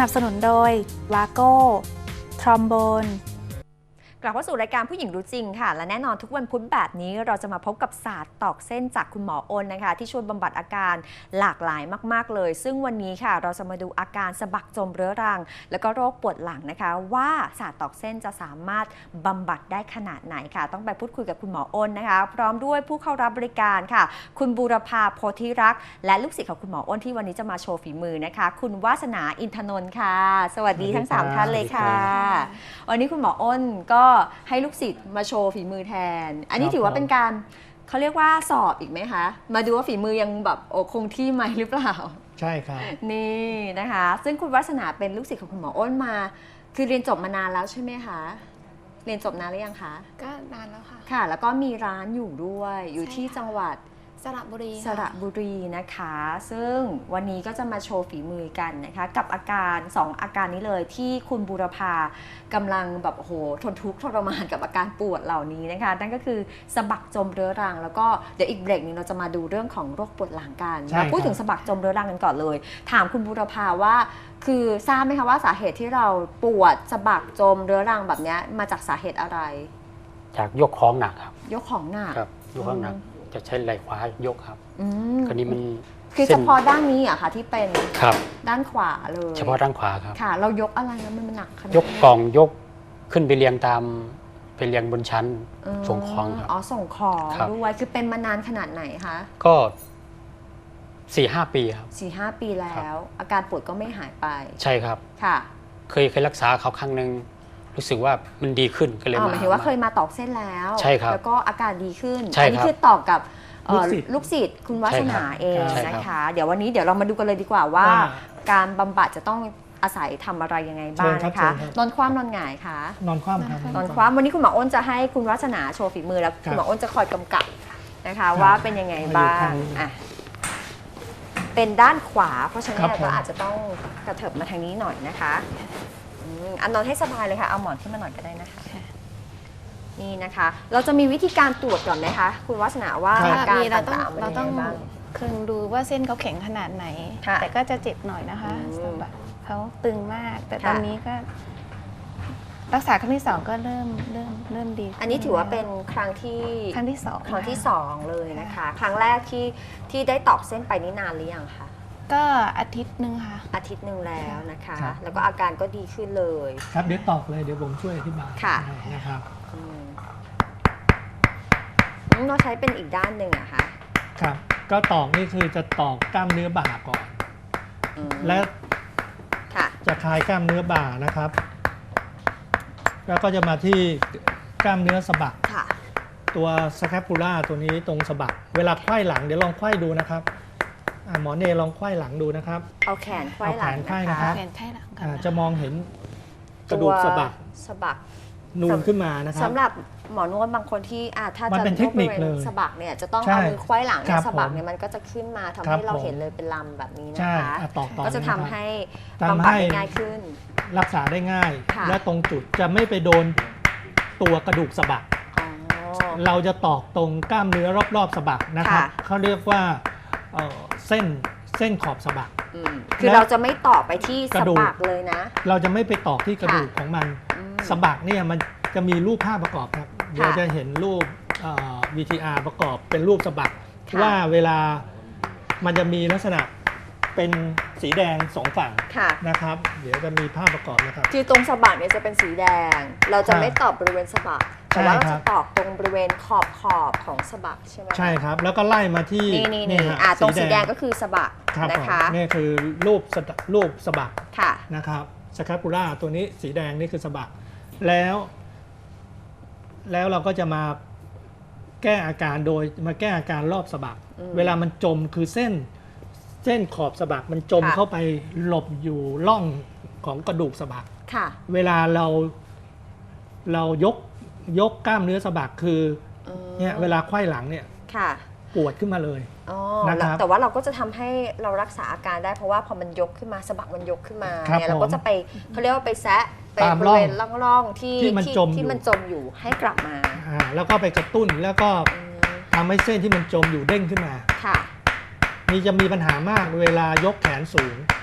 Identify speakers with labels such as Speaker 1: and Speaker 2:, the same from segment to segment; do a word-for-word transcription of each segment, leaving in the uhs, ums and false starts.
Speaker 1: นับสนุนโดยวาโก้ทรอมโบน
Speaker 2: กลับเข้าสู่รายการผู้หญิงรู้จริงค่ะและแน่นอนทุกวันพุธแบบนี้เราจะมาพบกับศาสตร์ตอกเส้นจากคุณหมออ้นนะคะที่ช่วยบำบัดอาการหลากหลายมากๆเลยซึ่งวันนี้ค่ะเราจะมาดูอาการสะบักจมเรื้อรังแล้วก็โรคปวดหลังนะคะว่าศาสตร์ตอกเส้นจะสามารถบำบัดได้ขนาดไหนค่ะต้องไปพูดคุยกับคุณหมออ้นนะคะพร้อมด้วยผู้เข้ารับบริการค่ะคุณบูรพาโพธิรักษ์และลูกศิษย์ของคุณหมออ้นที่วันนี้จะมาโชว์ฝีมือนะคะคุณวาสนาอินทนนท์ค่ะสวัสดีทั้งสามท่านเลยค่ะวันนี้คุณหมออ้นก็ให้ลูกศิษย์มาโชว์ฝีมือแทนอันนี้ถือว่าเป็นการเขาเรียกว่าสอบอีกไหมคะมาดูว่าฝีมือยังแบบโอคงที่ไหมหรือเปล่า
Speaker 3: ใช่ครับ
Speaker 2: นี่นะคะซึ่งคุณวาสนาเป็นลูกศิษย์ของคุณหมออ้นมาคือเรียนจบมานานแล้วใช่ไหมคะเรียนจบนานหรือยังคะ
Speaker 4: ก็นานแล้วค่ะ
Speaker 2: ค่ะแล้วก็มีร้านอยู่ด้วยอยู่ที่จังหวัด
Speaker 4: สระบุรี
Speaker 2: สระบุรีนะคะซึ่งวันนี้ก็จะมาโชว์ฝีมือกันนะคะกับอาการสองอาการนี้เลยที่คุณบูรพากำลังแบบโหทนทุกข์ทรมานกับอาการปวดเหล่านี้นะคะนั่นก็คือสะบักจมเรื้อรังแล้วก็เดี๋ยวอีกเบรกนึงเราจะมาดูเรื่องของโรคปวดหลังกันมาพูดถึงสะบักจมเรื้อรังกันก่อนเลยถามคุณบูรพาว่าคือทราบไหมคะว่าสาเหตุที่เราปวดสะบักจมเรื้อรังแบบนี้มาจากสาเหตุอะไร
Speaker 3: จากยกของหนักครับ
Speaker 2: ยกของหนัก
Speaker 3: ครับยกของหนักจะใช้ไหล่ขวายกครับคราวนี้มัน
Speaker 2: คือเฉพาะด้านนี้อะค่ะที่เป็น
Speaker 3: ครับ
Speaker 2: ด้านขวาเลย
Speaker 3: เฉพาะด้านขวาครับ
Speaker 2: ค่ะเรายกอะไรแล้วมันหนักขนาด
Speaker 3: ยกกล่องยกขึ้นไปเรียงตามไปเรียงบนชั้นส่งของครับ
Speaker 2: อ๋อส่งของด้วยคือเป็นมานานขนาดไหนคะ
Speaker 3: ก็สี่ห้าปีครับ
Speaker 2: สี่ห้าปีแล้วอาการปวดก็ไม่หายไป
Speaker 3: ใช่ครับ
Speaker 2: ค่ะ
Speaker 3: เคยเคยรักษาเขาครั้งหนึ่งรู้สึกว่ามันดีขึ้นก็เลยมา
Speaker 2: หมายถึงว่าเคยมาตอกเส้นแล้ว
Speaker 3: ใช่ครับ
Speaker 2: แล้วก็อาการดีขึ้น
Speaker 3: อั
Speaker 2: นนี้คือตอกกับลูกศิษย์คุณวาสนาเอง
Speaker 3: นะ
Speaker 2: คะเดี๋ยววันนี้เดี๋ยวเรามาดูกันเลยดีกว่าว่าการบำบัดจะต้องอาศัยทำอะไรยังไงบ้างนะคะนอนคว่ำนอนหงายคะ
Speaker 3: นอนคว่ำครับ
Speaker 2: นอนคว่ำวันนี้คุณหมออ้นจะให้คุณวาสนาโชว์ฝีมือแล้วคุณหมออ้นจะคอยกำกับนะคะว่าเป็นยังไงบ้างอ่ะเป็นด้านขวาเพราะฉะนั้นก็อาจจะต้องกระเถิบมาทางนี้หน่อยนะคะอันนอนให้สบายเลยค่ะเอาหมอนขึ้นมาหน่อยก็ได้นะคะนี่นะคะเราจะมีวิธีการตรวจก่อนไหมคะคุณวาสนาว่าอาการต่างๆ
Speaker 4: เราต้องคือดูว่าเส้นเขาแข็งขนาดไหนแต่ก็จะเจ็บหน่อยนะคะสะบักเขาตึงมากแต่ตอนนี้ก็รักษาครั้งที่สองก็เริ่มเริ่มเริ่มดี
Speaker 2: อันนี้ถือว่าเป็นครั้งที่
Speaker 4: ครั้งที่สอง
Speaker 2: ครั้งที่สองเลยนะคะครั้งแรกที่ที่ได้ตอกเส้นไปนี่นานหรือยังคะ
Speaker 4: ก็อาทิตย์หนึ่งค่ะ
Speaker 2: อาทิตย์หนึ่งแล้วนะคะแล้วก็อาการก็ดีขึ้นเลย
Speaker 3: ครับเดี๋ยวตอกเลยเดี๋ยวผมช่วยอธิบาย
Speaker 2: ค่ะ
Speaker 3: นะครับ
Speaker 2: เราใช้เป็นอีกด้านหนึ่งอะคะ
Speaker 3: ครับก็ตอกนี่คือจะตอกกล้ามเนื้อบ่าก่อนและจะคลายกล้ามเนื้อบ่านะครับแล้วก็จะมาที่กล้ามเนื้อสะบักตัวสแคปูล่าตัวนี้ตรงสะบักเวลาไขว้หลังเดี๋ยวลองไขว้ดูนะครับหมอเนลองไขว้หลังดูนะครับ
Speaker 2: เอาแขนไขว้หลัง
Speaker 3: นะคะ
Speaker 4: แขนไขว้หลัง
Speaker 3: จะมองเห็นกระดูกสะบัก
Speaker 2: สะบัก
Speaker 3: นูนขึ้นมานะครับ
Speaker 2: สำหรับหมอนวดบางคนที่ถ้าจะ
Speaker 3: เป็นเทคนิคเลย
Speaker 2: สะบักเนี่ยจะต้องเอามือไขว้หลังสะบักเนี่ยมันก็จะขึ้นมาทำให้เราเห็นเลยเป็นลำแบบนี้นะคะก็จะทำให้บำบัดได้ง่ายขึ้น
Speaker 3: รักษาได้ง่ายและตรงจุดจะไม่ไปโดนตัวกระดูกสะบักเราจะตอกตรงกล้ามเนื้อรอบๆสะบักนะครับเขาเรียกว่าเส้นเส้นขอบสะบัก
Speaker 2: คือเราจะไม่ตอกไปที่สะบักเลยนะ
Speaker 3: เราจะไม่ไปตอกที่กระดูกของมันสะบักเนี่ยมันจะมีรูปภาพประกอบครับเดี๋ยวจะเห็นรูป วี ที อาร์ ประกอบเป็นรูปสะบักว่าเวลามันจะมีลักษณะเป็นสีแดงสองฝั่งนะครับเดี๋ยวจะมีภาพประกอบนะครับ
Speaker 2: คือตรงสะบักเนี่ยจะเป็นสีแดงเราจะไม่ตอกบริเวณสะบักแต่ว่าเราจะตอกตรงบริเวณขอบขอบของสะบักใช่ไหม
Speaker 3: ใช่ครับแล้วก็ไล่มาที่
Speaker 2: นี่นี่ตรงสีแดงก็คือสะบักนะคะ
Speaker 3: นี่คือรูปรูปสะบักนะครับสแคปูล่าตัวนี้สีแดงนี่คือสะบักแล้วแล้วเราก็จะมาแก้อาการโดยมาแก้อาการรอบสะบักเวลามันจมคือเส้นเส้นขอบสะบักมันจมเข้าไปหลบอยู่ร่องของกระดูกสะบักเวลาเราเรายกยกกล้ามเนื้อสะบักคือเนี่ยเวลาไขว้หลังเนี่ยปวดขึ้นมาเลย
Speaker 2: นะครับแต่ว่าเราก็จะทำให้เรารักษาอาการได้เพราะว่าพอมันยกขึ้นมาสะบักมันยกขึ้นมาเนี่ยเราก็จะไปเขาเรียกว่าไปแซะไปบริเวณร่องๆที่
Speaker 3: ที่มันจม
Speaker 2: ที่มันจมอยู่ให้กลับมา
Speaker 3: แล้วก็ไปกระตุ้นแล้วก็ทำให้เส้นที่มันจมอยู่เด้งขึ้นมา
Speaker 2: ค่ะ
Speaker 3: นี่จะมีปัญหามากเวลายกแขนสูง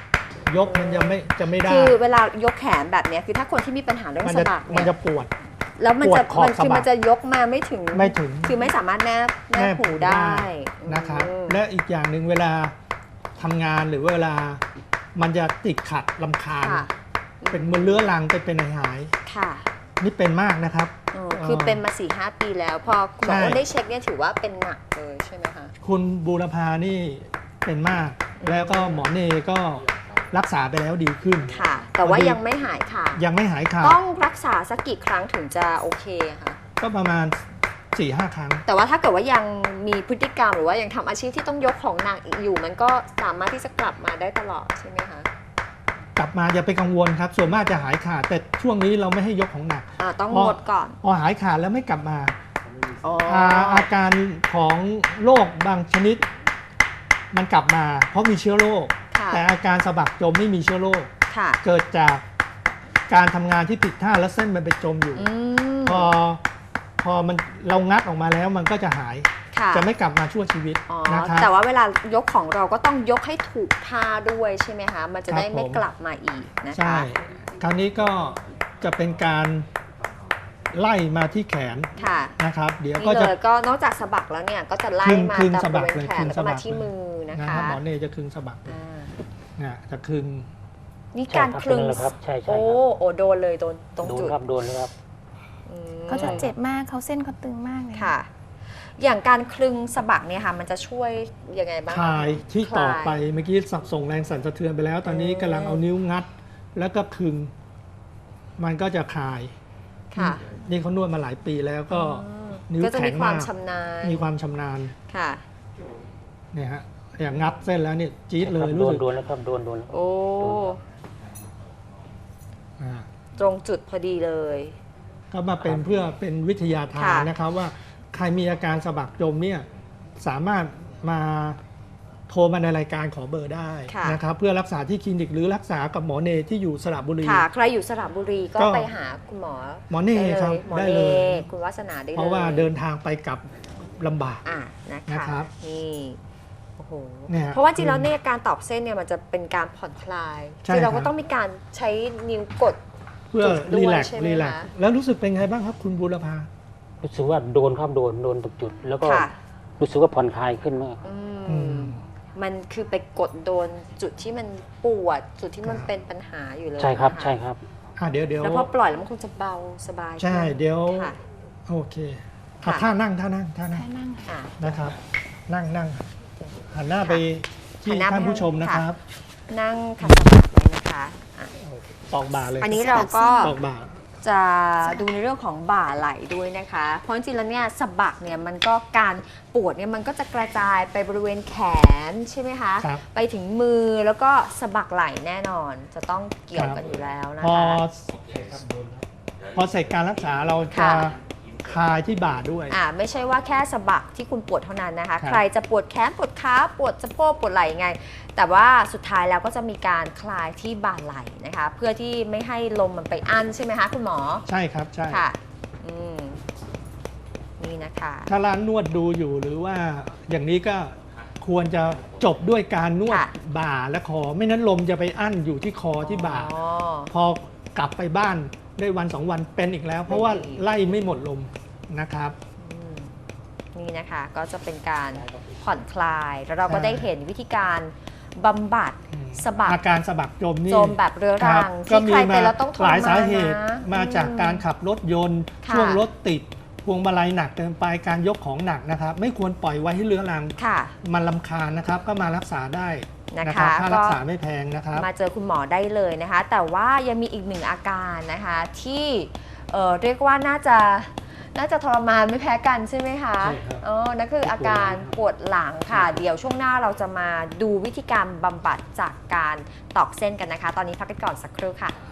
Speaker 3: ยกมันจะไม่จะไม่ได้
Speaker 2: คือเวลายกแขนแบบเนี้ยคือถ้าคนที่มีปัญหาเรื่อง
Speaker 3: มัน
Speaker 2: สะ
Speaker 3: จะ
Speaker 2: บัก
Speaker 3: มัน
Speaker 2: เนี่ย
Speaker 3: จะปวด
Speaker 2: แล้วมันจะ
Speaker 3: ปวดขอบ
Speaker 2: มันคือ
Speaker 3: สะบัก
Speaker 2: มันจะยกมาไม่ถึง
Speaker 3: ไม่ถึง
Speaker 2: คือไม่สามารถแนบแนบหูได้
Speaker 3: นะครับ
Speaker 2: อืม
Speaker 3: และอีกอย่างหนึ่งเวลาทำงานหรือเวลามันจะติดขัดลำคาญ
Speaker 2: ค่ะ
Speaker 3: เป็นมือเลื้อรังไปเป็นหาย
Speaker 2: ค่ะ
Speaker 3: ๆนี่เป็นมากนะครับ
Speaker 2: เออคือเป็นมาสี่ห้าปีแล้ว พอคุณหมอ
Speaker 3: ใช่
Speaker 2: อ้นได้เช็คเนี่ยถือว่าเป็นหนักเลยใช่ไหมคะ
Speaker 3: คุณบูรพานี่เป็นมาก แล้วก็หมอเนก็รักษาไปแล้วดีขึ้น
Speaker 2: ค่ะ แต่ว่า
Speaker 3: พอดี
Speaker 2: ยังไม่หายค่ะ
Speaker 3: ยังไม่หายขาด
Speaker 2: ต้องรักษาสักกี่ครั้งถึงจะโอเคอะคะ
Speaker 3: ก็ประมาณ สี่ห้า ครั้ง
Speaker 2: แต่ว่าถ้าเกิดว่ายังมีพฤติกรรมหรือว่ายังทำอาชีพที่ต้องยกของหนักอีกอยู่ มันก็สามารถที่จะกลับมาได้ตลอดใช่ไหมคะ
Speaker 3: กลับมาอย่าไปกังวลครับ ส่วนมากจะหายขาด แต่ช่วงนี้เราไม่ให้ยกของหนัก
Speaker 2: อ่าต้อง
Speaker 3: พอ
Speaker 2: งดก่อน
Speaker 3: พอหายขาดแล้วไม่กลับมา
Speaker 2: อ๋อ
Speaker 3: อาอาการของโรคบางชนิด มันกลับมา เพราะมีเชื้อโรค
Speaker 2: ค่ะ
Speaker 3: แต่อาการสะบักจมไม่มีเชื้อโรค
Speaker 2: ค่ะ
Speaker 3: เกิดจากการทำงานที่ผิดท่าแล้วเส้นมันไปจมอยู่
Speaker 2: อืม
Speaker 3: พอพอมันเรางัดออกมาแล้วมันก็จะหาย
Speaker 2: ค่ะ
Speaker 3: จะไม่กลับมาชั่วชีวิต
Speaker 2: อ๋อ
Speaker 3: นะครับ
Speaker 2: แต่ว่าเวลายกของเราก็ต้องยกให้ถูกท่าด้วยใช่ไหมคะ มันจะได้
Speaker 3: ครับผม
Speaker 2: ไม่กลับมาอีกนะคะ
Speaker 3: ใช่ คราวนี้ก็จะเป็นการไล่มาที่แขน
Speaker 2: ค่ะ
Speaker 3: นะครับ เดี๋ยว
Speaker 2: นี่
Speaker 3: ก็
Speaker 2: เล
Speaker 3: จะ
Speaker 2: ยก็นอกจากสะบักแล้วเนี่ยก็จะไล่
Speaker 3: คลึง
Speaker 2: มา
Speaker 3: คลึง
Speaker 2: ตาม
Speaker 3: สะ
Speaker 2: บ
Speaker 3: บัก
Speaker 2: ริเวณ
Speaker 3: เลย
Speaker 2: แข
Speaker 3: คลึ
Speaker 2: น
Speaker 3: ง
Speaker 2: แล้ว
Speaker 3: สะ
Speaker 2: ก็
Speaker 3: บั
Speaker 2: มาก ที่
Speaker 3: เลย
Speaker 2: มือนะ
Speaker 3: นะคะ หมอเนจะคลึงสะบักเลย
Speaker 2: อ่า
Speaker 3: นะจะคลึง
Speaker 2: นี่
Speaker 5: ใช่
Speaker 2: การ
Speaker 5: ครับ
Speaker 2: คลึง
Speaker 5: เป็นนั่นแหละครับใช่ใช่
Speaker 2: โอ้
Speaker 5: ครับ
Speaker 2: โอ้โดนเลยโดนตรง
Speaker 5: โดน
Speaker 2: จุด
Speaker 5: ครับโดนเลยครับ
Speaker 2: อืม
Speaker 4: เขาจะเจ็บมากเขาเส้นเขาตึงมากเลย
Speaker 2: ค่ะ อย่างการคลึงสะบักเนี่ยค่ะมันจะช่วยยังไงบ้าง
Speaker 3: คลายที่ต่อไป
Speaker 2: คลาย
Speaker 3: เมื่อกี้สับส่งแรงสั่นสะเทือนไปแล้ว ตอนนี้
Speaker 2: อืม
Speaker 3: กำลังเอานิ้วงัด แล้วก็คลึง มันก็จะคลาย
Speaker 2: ค่ะ
Speaker 3: นี่เขานวดมาหลายปีแล้วก็
Speaker 2: อืม
Speaker 3: นิ้ว
Speaker 2: ก็จะ
Speaker 3: แข็
Speaker 2: มี
Speaker 3: ง
Speaker 2: ความ
Speaker 3: มาก
Speaker 2: ชำนาญ
Speaker 3: มีความชำนาญ
Speaker 2: ค่ะ
Speaker 3: เนี่ยฮะอย่างงัดเส้นแล้วเนี่ยจี๊ดเลย
Speaker 5: โด
Speaker 3: รู้
Speaker 5: น
Speaker 3: สึก
Speaker 5: โดนแล้วครับโดนโดน
Speaker 2: โอ้
Speaker 3: อ่า
Speaker 2: ตรงจุดพอดีเลย
Speaker 3: ก็มาเป็นเพื่อเป็นวิทยาทาน
Speaker 2: ค่ะ
Speaker 3: นะครับว่าใครมีอาการสะบักจมเนี่ยสามารถมาโทรมาในรายการขอเบอร์ได้
Speaker 2: ค่ะ
Speaker 3: นะครับเพื่อรักษาที่คลินิกหรือรักษากับหมอเนที่อยู่สระบุรี
Speaker 2: ค่ะ ใครอยู่สระบุรีก็
Speaker 3: ก็
Speaker 2: ไปหาคุณหมอ
Speaker 3: หมอเน่
Speaker 2: ได้
Speaker 3: ครับ
Speaker 2: หมอ
Speaker 3: ได้
Speaker 2: เน่
Speaker 3: เลย
Speaker 2: คุณวัฒนาได้เลย
Speaker 3: เพราะว่าเดินทางไปกลับลำบาก
Speaker 2: อ่ะนะ
Speaker 3: นะ
Speaker 2: คะ
Speaker 3: ครับ
Speaker 2: นี่โอ้โห
Speaker 3: เนี่ย
Speaker 2: เพราะว่าจริงแล้วเนี่ยการตอกเส้นเนี่ยมันจะเป็นการผ่อนคลาย
Speaker 3: ใช่
Speaker 2: คือเรา
Speaker 3: ครั
Speaker 2: ก็
Speaker 3: บ
Speaker 2: ต้องมีการใช้นิ้วกด
Speaker 3: เพื่อ
Speaker 2: จุดด้วย
Speaker 3: รีแลกซ์
Speaker 2: ใช่ไหม
Speaker 3: รีแลกซ์
Speaker 2: คะ
Speaker 3: แล้วรู้สึกเป็นไงบ้างครับคุณบูรพา
Speaker 5: รู้สึกว่าโดนครับโดนโดนตรงจุด แล้วก็
Speaker 2: ค่ะ
Speaker 5: รู้สึกว่าผ่อนคลายขึ้นมาก
Speaker 2: อืม
Speaker 3: อืม
Speaker 2: มันคือไปกดโดนจุดที่มันปวด จุดที่มันเป็นปัญหาอยู่เลย
Speaker 5: ใช่ครับ
Speaker 2: นะะ
Speaker 5: ใช่ครับ
Speaker 3: อ่ะเดี๋ยวเดี๋ยว
Speaker 2: แล้วพอปล่อยแล้วมันคงจะเบาสบาย
Speaker 3: ใช่
Speaker 2: ขึ้น
Speaker 3: เดี๋ยว
Speaker 2: ค่ะ
Speaker 3: โอเค
Speaker 2: ค่ะ
Speaker 3: อ่ะท่านั่งท่านั่งท่านั่ง
Speaker 4: แค่นั่งค่ะ
Speaker 2: อ่ะ
Speaker 3: นะครับ นั่งนั่งหันหน้าไปที่
Speaker 2: หันหน้าไป
Speaker 3: ท่านผู้ชมนะครับ
Speaker 2: นั่งขัดสมาธิไว้นะคะอ่ะ
Speaker 3: ตอกบ่าเลย
Speaker 2: อันนี้เราก็
Speaker 3: ตอกบ่า
Speaker 2: จะดูในเรื่องของบ่าไหล่ด้วยนะคะ เพราะจริงๆแล้วเนี่ยสะบักเนี่ยมันก็การปวดเนี่ยมันก็จะกระจายไปบริเวณแขนใช่ไหมคะ
Speaker 3: ครับ
Speaker 2: ไปถึงมือแล้วก็สะบักไหล่แน่นอน จะต้องเกี่ยวกันอยู่แล้วนะ
Speaker 3: พอ
Speaker 2: คะ
Speaker 3: พอเสร็จการรักษาเราจะ
Speaker 2: ค่ะ
Speaker 3: คลายที่บ่าด้วย
Speaker 2: อ่าไม่ใช่ว่าแค่สะบักที่คุณปวดเท่านั้นนะคะ
Speaker 3: ครับ
Speaker 2: ใครจะปวดแขนปวดขาปวดสะโพกปวดไหล่ยังไง แต่ว่าสุดท้ายแล้วก็จะมีการคลายที่บ่าไหล่นะคะ เพื่อที่ไม่ให้ลมมันไปอั้นใช่ไหมคะคุณหมอ
Speaker 3: ใช่ครับใช่
Speaker 2: ค่ะอืมนี่นะคะ
Speaker 3: ถ้าร้านนวดดูอยู่หรือว่าอย่างนี้ก็ควรจะจบด้วยการนวด
Speaker 2: ค่ะ
Speaker 3: บ่าและคอ ไม่นั้นลมจะไปอั้นอยู่ที่คอที่บ่า
Speaker 2: อ๋อ
Speaker 3: พอกลับไปบ้านได้วันสองวันเป็นอีกแล้ว เพราะว่า
Speaker 2: เป็นอีก
Speaker 3: ไล่ไม่หมดลมนะครับ
Speaker 2: อืมนี่นะคะก็จะเป็นการผ่อนคลาย แล้วเราก็
Speaker 3: ใช่
Speaker 2: ได้เห็นวิธีการบำบัดสะบัก
Speaker 3: อาการสะบักจมนี่
Speaker 2: จมแบบเรื้อ
Speaker 3: ค
Speaker 2: รั
Speaker 3: บ
Speaker 2: ง
Speaker 3: ก็
Speaker 2: ที่
Speaker 3: มี
Speaker 2: ใคร
Speaker 3: มา
Speaker 2: เป็นแล้วต้องทร
Speaker 3: หลาย
Speaker 2: มาน
Speaker 3: สาเหตุ
Speaker 2: นะ
Speaker 3: มาจากการขับรถยนต์
Speaker 2: ค่ะ
Speaker 3: ช่วงรถติดพวงมาลัยหนักเกินไปการยกของหนักนะครับ ไม่ควรปล่อยไว้ให้เรื้อรัง
Speaker 2: ค่ะ
Speaker 3: มันลำคาญนะครับ ก็มารักษาได้
Speaker 2: นะคะ
Speaker 3: นะครับค่า
Speaker 2: ก็
Speaker 3: รักษาไม่แพงนะครับ
Speaker 2: มาเจอคุณหมอได้เลยนะคะ แต่ว่ายังมีอีกหนึ่งอาการนะคะที่เอ่อเรียกว่าน่าจะน่าจะทรมานไม่แพ้กันใช่ไหมคะ
Speaker 3: ใช่ครับ
Speaker 2: อ๋อนั่นคืออาการปวดหลังค่ะ เดี๋ยวช่วงหน้าเราจะมาดูวิธีการบำบัดจากการตอกเส้นกันนะคะ ตอนนี้พักกันก่อนสักครู่ค่ะ